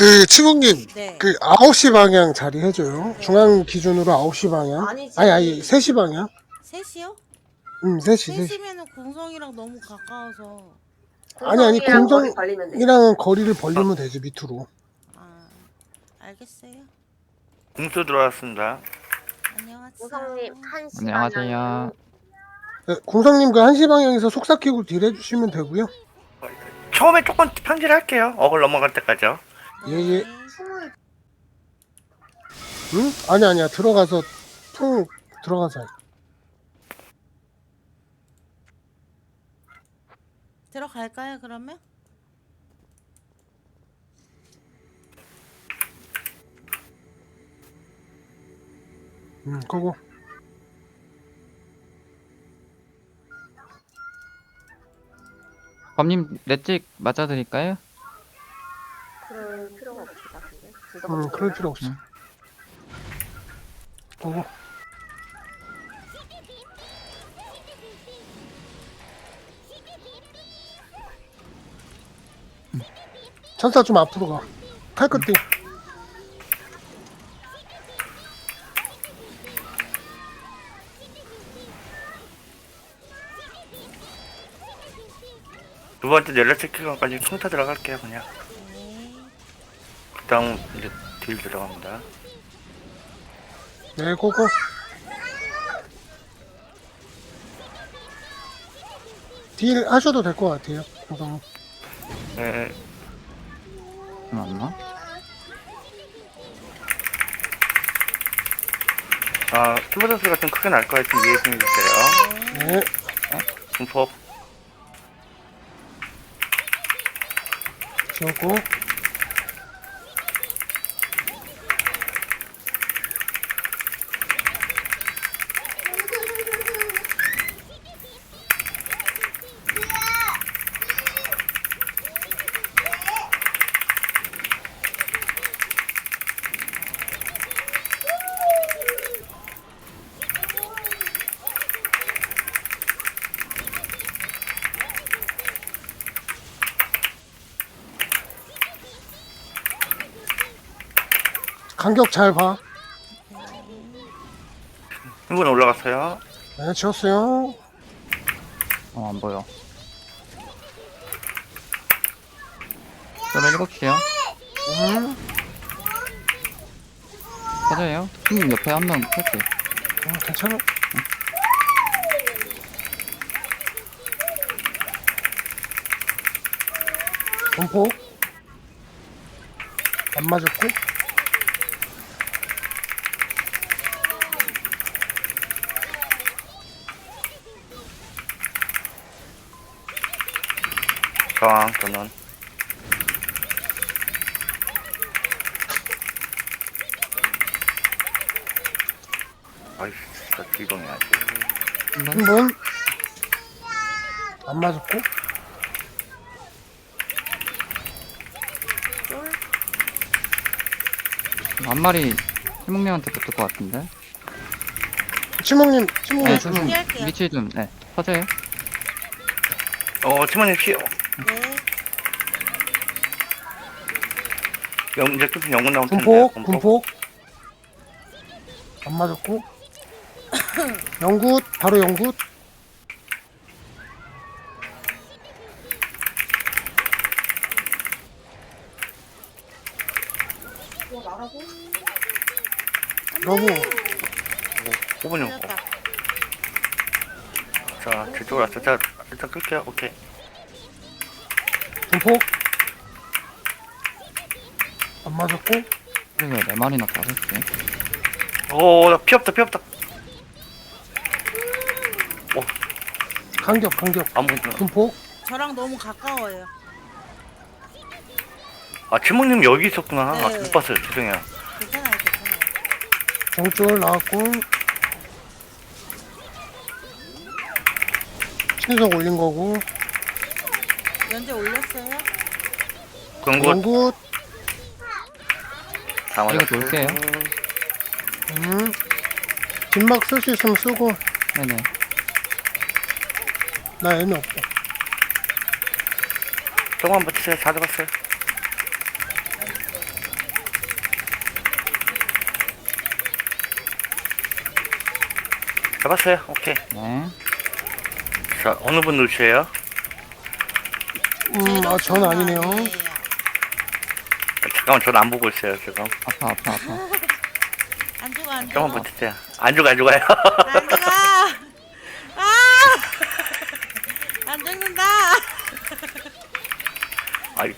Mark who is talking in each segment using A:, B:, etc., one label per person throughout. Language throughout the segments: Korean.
A: 그 치국님
B: 네.
A: 그 9시 방향 자리 해줘요. 중앙 기준으로 9시 방향.
C: 아니지.
A: 아니 3시 방향.
B: 3시요?
A: 3시 3시.
B: 3시면은 공성이랑 너무 가까워서.
A: 아니
C: 공성이랑 거리
A: 공정이랑
C: 벌리면 돼.
A: 거리를 벌리면 되지 밑으로.
B: 아, 알겠어요.
D: 공수 들어왔습니다.
B: 안녕하세요.
C: 공성님 1시
E: 안녕하세요.
C: 방향.
A: 네, 공성님 그 1시 방향에서 속삭이고 딜 해주시면 되고요.
D: 처음에 조금 편질할게요. 어글 넘어갈 때까지요.
B: 네.
A: 예. 응? 아니야 들어가서 퉁 들어가서 해.
B: 들어갈까요, 그러면?
A: 그거
E: 범님 넷찍 맞아드릴까요?
C: 그럴 필요가 없을 것 같은데.
A: 그럴 필요 없어.
E: 응.
A: 그거 천사 좀 앞으로 가. 칼끝 띵.
D: 두 번째 연락 체크까지 총타 들어갈게요. 그냥.
B: 네.
D: 그다음 이제 딜 들어갑니다.
A: 네, 고고. 딜 하셔도 될 것 같아요. 공성님.
D: 네.
E: 맞나?
D: 아, 팀버 선수가 좀 크게 날 거예요. 좀 이해해 주세요.
A: 네.
D: 분포.
A: 지웠고. 간격 잘 봐.
D: 한 분 올라갔어요.
A: 네, 지웠어요.
E: 안 보여. 저는 7시요. 맞아요. 형님 옆에 한 명 탈게.
A: 괜찮아. 분포. 안 맞았고.
D: 저항, 저는. 아이씨, 진짜 이동해야지.
A: 한 번. 안 맞았고.
E: 한 마리 희묵님한테 붙을 것 같은데.
A: 치목님,
E: 네,
A: 치목님.
E: 좀
B: 피할게요.
E: 위치 좀, 네, 퍼져요.
D: 팀원님 피어.
B: 네.
D: 이제 끝은 영문 나올 텐데.
A: 분폭, 분폭. 안 맞았고. 영굿, 바로 영굿. 너무
D: 5분 용.
B: 틀렸다.
D: 자, 제 쪽으로 왔어. 자, 일단 끌게요. 오케이.
A: 분폭. 안 맞았고.
E: 그리고 4마리나 가졌지.
D: 오, 나 피 없다, 피 없다.
A: 간격.
D: 아무것도.
A: 분폭.
B: 저랑 너무 가까워요.
D: 아, 치목님 여기 있었구나. 아,
B: 네.
D: 못 봤어요. 죄송해요.
B: 괜찮아요.
A: 정줄 나왔고. 신속 올린 거고.
B: 연재 올렸어요?
D: 광고
A: 영굿.
D: 다 맞았어.
E: 이거 놓을게요.
A: 뒷막 쓸 수 있으면 쓰고.
E: 네네.
A: 나 애미 없다.
D: 조금만 버티세요. 다 잡았어요. 잡았어요. 오케이.
E: 네.
D: 자, 어느 분 누르세요?
A: 전 아니네요.
D: 잠깐만, 전 안 보고 있어요, 지금.
E: 아파.
B: 안 죽어 안 죽어.
D: 조금만 버티세요. 안 죽어요.
B: 안 죽어. 아! 안 죽는다.
D: 아이.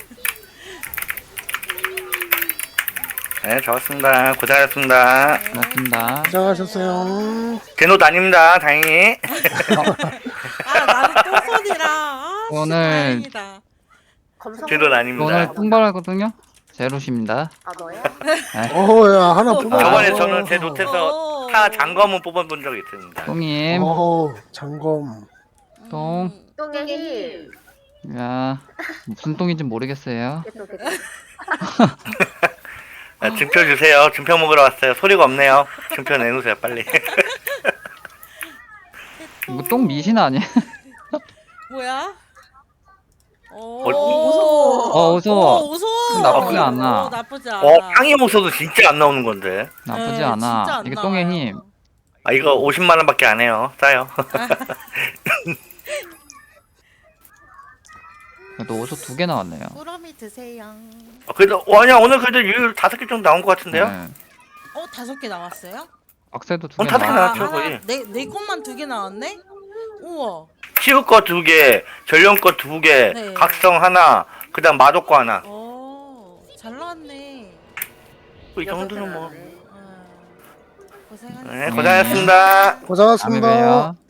D: 네, 잡았습니다. 고생하셨습니다.
E: 고맙습니다.
A: 고생하셨어요.
D: 제 노트 아닙니다, 다행히.
B: 아 나는 또 손이라. 아,
E: 오늘-
B: 다행이다.
C: 검성.
D: 제 노트 아닙니다.
E: 오늘 통발하거든요. 제로십니다.
C: 아 너야?
A: 어야 하나 뽑아.
D: 저번에 저는 제 노트에서
B: 오.
D: 타 장검은 뽑아본 적이 있습니다.
E: 똥님,
A: 장검.
E: 똥.
C: 똥의 힘.
E: 야, 무슨 똥인지 모르겠어요.
C: 됐어.
D: 아, 증표 주세요. 증표 먹으러 왔어요. 소리가 없네요. 증표 내놓으세요, 빨리.
E: 이거 똥 미신 아니야?
B: 뭐야?
E: 무서워.
B: 무서워.
E: 나쁘지 않아.
B: 나쁘지 않아.
D: 땅이 없어도 진짜 안 나오는 건데.
E: 나쁘지
B: 네, 진짜
E: 않아.
B: 안
E: 이게 똥의
B: 나와요.
E: 힘.
D: 아, 이거 50만 원밖에 안 해요. 싸요.
E: 그래도 어서 2개 나왔네요.
B: 꾸러미 드세요.
D: 그래도 아니야, 오늘 그래도 율 5개 정도 나온 것 같은데요?
E: 네.
B: 5개 나왔어요?
E: 악세도 2개
D: 오늘 다섯 개
E: 나왔어요.
D: 나왔죠, 거의.
B: 내 것만 2개 나왔네? 우와.
D: 치우 거 2개, 전령 거 2개,
B: 네.
D: 각성 하나, 그 다음 마독 거 하나.
B: 잘 나왔네.
D: 이 정도는 뭐.
B: 고생하셨습니다.
D: 네, 고생하셨습니다.
A: 고생하셨습니다.
E: 다음에 봬요.